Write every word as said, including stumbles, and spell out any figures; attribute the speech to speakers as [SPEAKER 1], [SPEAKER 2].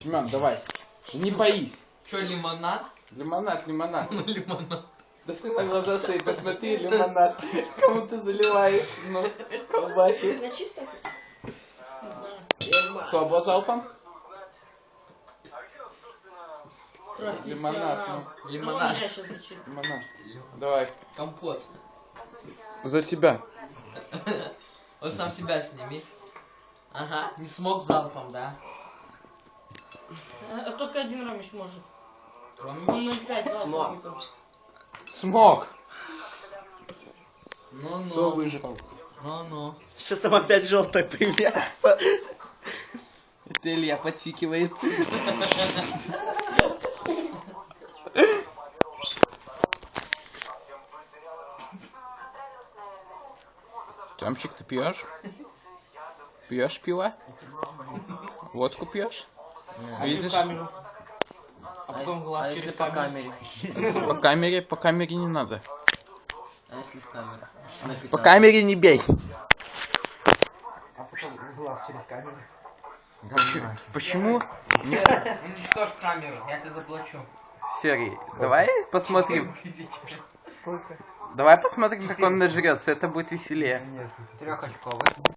[SPEAKER 1] Семен, давай. Не боись.
[SPEAKER 2] Что, лимонад?
[SPEAKER 1] Лимонад, лимонад.
[SPEAKER 2] Ну, лимонад.
[SPEAKER 1] Да ты на глаза свои посмотри, лимонад. Кому ты заливаешь? Ну, колбасик.
[SPEAKER 3] На чисто?
[SPEAKER 1] Слабо залпом? Лимонад, ну.
[SPEAKER 2] Лимонад.
[SPEAKER 1] Лимонад. Давай.
[SPEAKER 2] Компот.
[SPEAKER 1] За тебя.
[SPEAKER 2] Вот сам себя сними. Ага. Не смог залпом, да?
[SPEAKER 3] А только один Ромич может.
[SPEAKER 2] Ромич?
[SPEAKER 3] Он ноль пять
[SPEAKER 4] Смог.
[SPEAKER 1] Смог. Все
[SPEAKER 2] Ну-ну.
[SPEAKER 1] выжрал.
[SPEAKER 2] Ну-ну.
[SPEAKER 4] Сейчас там опять желтое появляется.
[SPEAKER 1] Это Илья подсикивает. Тёмчик, ты пьешь? Пьешь пиво? Водку пьешь? Видишь?
[SPEAKER 4] камеру. А потом глаз
[SPEAKER 2] А
[SPEAKER 4] через
[SPEAKER 2] если по
[SPEAKER 4] камеру.
[SPEAKER 2] камере?
[SPEAKER 1] По камере, по камере не надо.
[SPEAKER 2] А если в камеру?
[SPEAKER 1] По камере не бей.
[SPEAKER 4] А потом глаз через камеру.
[SPEAKER 1] Почему?
[SPEAKER 2] Уничтожь камеру, я тебе заплачу.
[SPEAKER 1] Серый, давай посмотрим.
[SPEAKER 4] Сколько?
[SPEAKER 1] Давай посмотрим, как он нажрется. Это будет веселее.
[SPEAKER 4] Трехочковый.